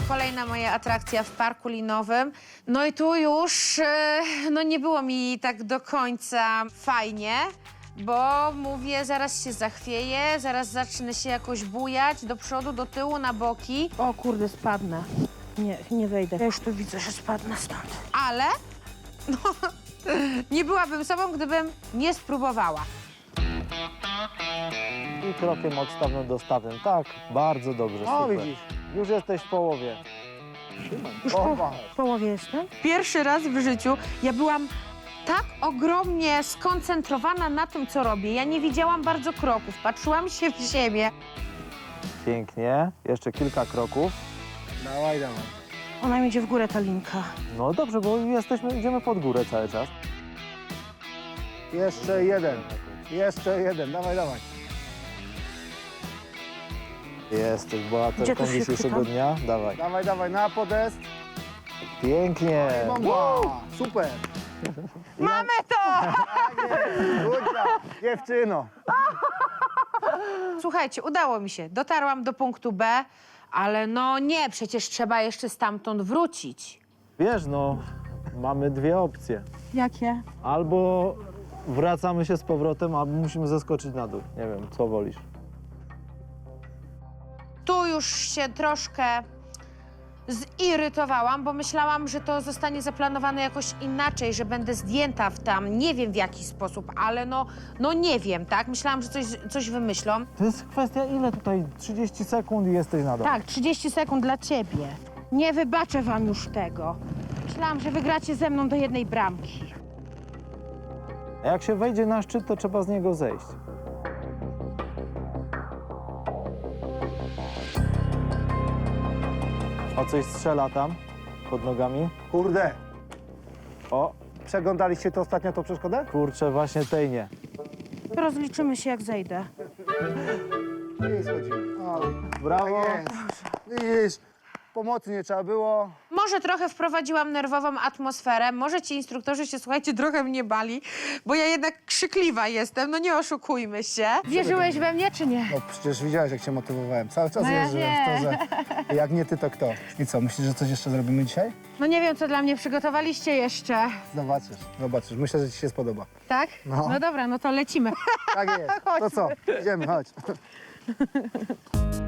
Kolejna moja atrakcja w parku linowym. No i tu już no nie było mi tak do końca fajnie, bo mówię, zaraz się zachwieję, zaraz zacznę się jakoś bujać do przodu, do tyłu, na boki. O kurde, spadnę. Nie, nie wejdę. Ja już tu widzę, że spadnę stąd. Ale no, nie byłabym sobą, gdybym nie spróbowała. I krokiem odstawnym do stawnym. Tak, bardzo dobrze, O, super. widzisz. Już jesteś w połowie. Już w połowie jestem? Pierwszy raz w życiu ja byłam tak ogromnie skoncentrowana na tym, co robię. Ja nie widziałam bardzo kroków, patrzyłam się w ziemię. Pięknie. Jeszcze kilka kroków. Dawaj, dawaj. Ona mi idzie w górę, ta linka. No dobrze, bo idziemy pod górę cały czas. Jeszcze jeden. Jeszcze jeden. Dawaj, dawaj. Jesteś Gdzie bohaterką to się dzisiejszego chwytam? dnia. Dawaj. Dawaj, dawaj, na podest. Pięknie. Bomba! Super! Mamy to! Kurczę, dziewczyno. Słuchajcie, udało mi się. Dotarłam do punktu B, ale no nie, przecież trzeba jeszcze stamtąd wrócić. Wiesz, no, mamy dwie opcje. Jakie? Albo wracamy się z powrotem, albo musimy zeskoczyć na dół. Nie wiem, co wolisz. Tu już się troszkę zirytowałam, bo myślałam, że to zostanie zaplanowane jakoś inaczej, że będę zdjęta w tam, nie wiem w jaki sposób, ale no nie wiem, tak? Myślałam, że coś wymyślą. To jest kwestia ile tutaj? 30 sekund i jesteś na dole. Tak, 30 sekund dla ciebie. Nie wybaczę wam już tego. Myślałam, że wygracie ze mną do jednej bramki. A jak się wejdzie na szczyt, to trzeba z niego zejść. O, coś strzela tam pod nogami. Kurde. O, Przeglądaliście to ostatnio, tą przeszkodę? kurczę, właśnie tej nie. Rozliczymy się, jak zejdę. Nie schodzimy. O, Brawo. tak jest. Widzisz, pomocy nie trzeba było. Może trochę wprowadziłam nerwową atmosferę, może ci instruktorzy się, słuchajcie, trochę mnie bali, bo ja jednak krzykliwa jestem, no nie oszukujmy się. Wierzyłeś we mnie, czy nie? No przecież widziałeś, jak cię motywowałem. Cały czas No ja wierzyłem w to, że jak nie ty, to kto. I co, myślisz, że coś jeszcze zrobimy dzisiaj? No nie wiem, co dla mnie przygotowaliście jeszcze. Zobaczysz, zobaczysz. Myślę, że ci się spodoba. Tak? No. No dobra, no to lecimy. Tak jest. To co? Idziemy, chodź.